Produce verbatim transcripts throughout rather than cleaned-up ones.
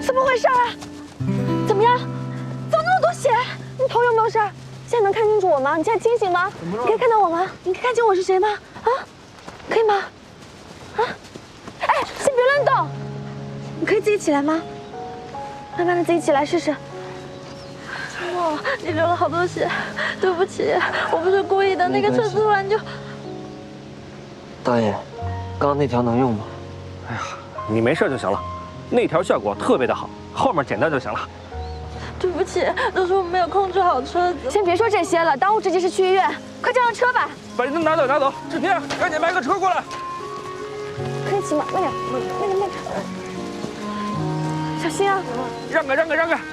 怎么回事啊？怎么样？怎么那么多血？你头有没有事？现在能看清楚我吗？你现在清醒吗？你可以看到我吗？你可以看清我是谁吗？啊，可以吗？啊，哎，先别乱动，你可以自己起来吗？慢慢的自己起来试试。哇，你流了好多血，对不起，我不是故意的。那个车突然就…… 大爷，刚刚那条能用吗？ 哎呀，你没事就行了，那条效果特别的好，后面简单就行了。 对不起，都是我没有控制好车子。先别说这些了，当务之急是去医院，快叫上车吧。 把人拿走拿走，志平，赶紧买个车过来。 可以骑吗？慢点，慢点，慢点，小心啊！ 让开让开让开！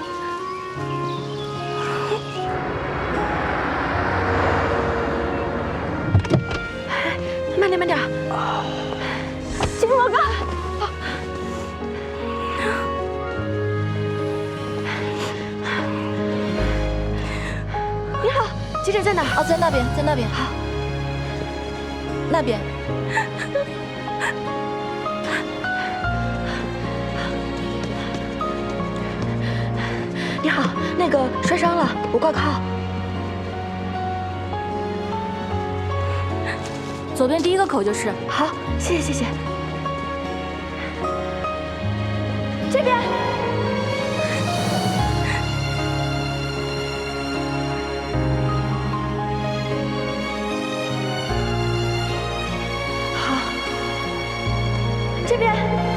慢点慢点。金莫哥。你好，急诊在哪？ 哦，在那边，在那边。好，那边。 你好，那个摔伤了，我挂靠。 左边第一个口就是。 好，谢谢谢谢。这边。好，这边。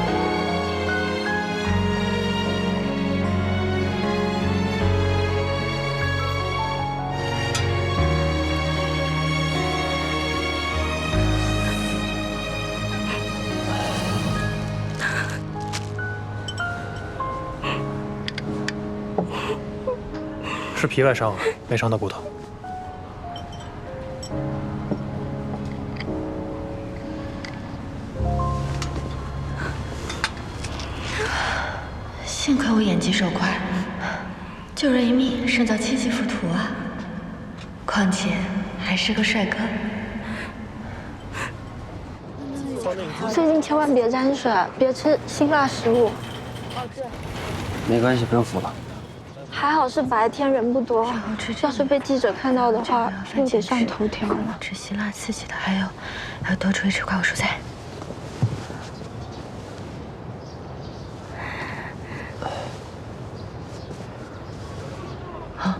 是皮外伤，没伤到骨头。 幸亏我眼疾手快，救人一命胜造七级浮屠啊！况且还是个帅哥。 最近千万别沾水，别吃辛辣食物。 没关系，不用扶了。 还好是白天人不多，要是被记者看到的话，又得上头条了。 吃辛辣刺激的，还有还有多注意吃快果蔬菜。好。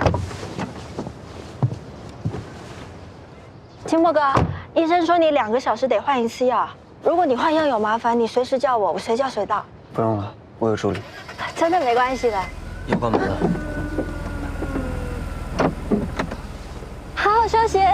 金墨哥，医生说你两个小时得换一次药，如果你换药有麻烦，你随时叫我，我随叫随到。 不用了，我有助理。 真的没关系的。 要关门了。 好好休息。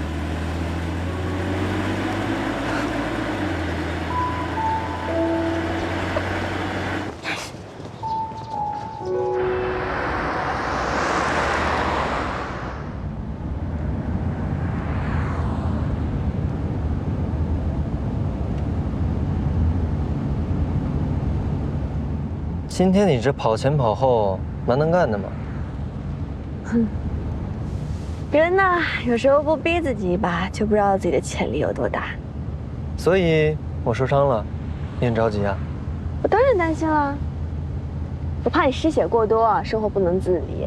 今天你这跑前跑后，蛮能干的嘛。 哼，人呐，有时候不逼自己一把，就不知道自己的潜力有多大。 所以我受伤了，你很着急啊？ 我当然担心了，我怕你失血过多，生活不能自理。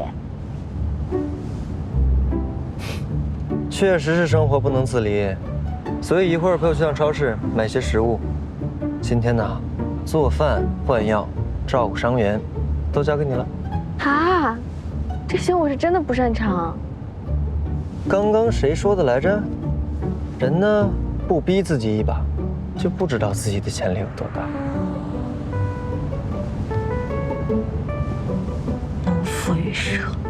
确实是生活不能自理，所以一会儿陪我去趟超市买些食物。今天呢，做饭、换药、照顾伤员，都交给你了。 啊，这些我是真的不擅长。 刚刚谁说的来着？人呢，不逼自己一把，就不知道自己的潜力有多大。 农夫与蛇。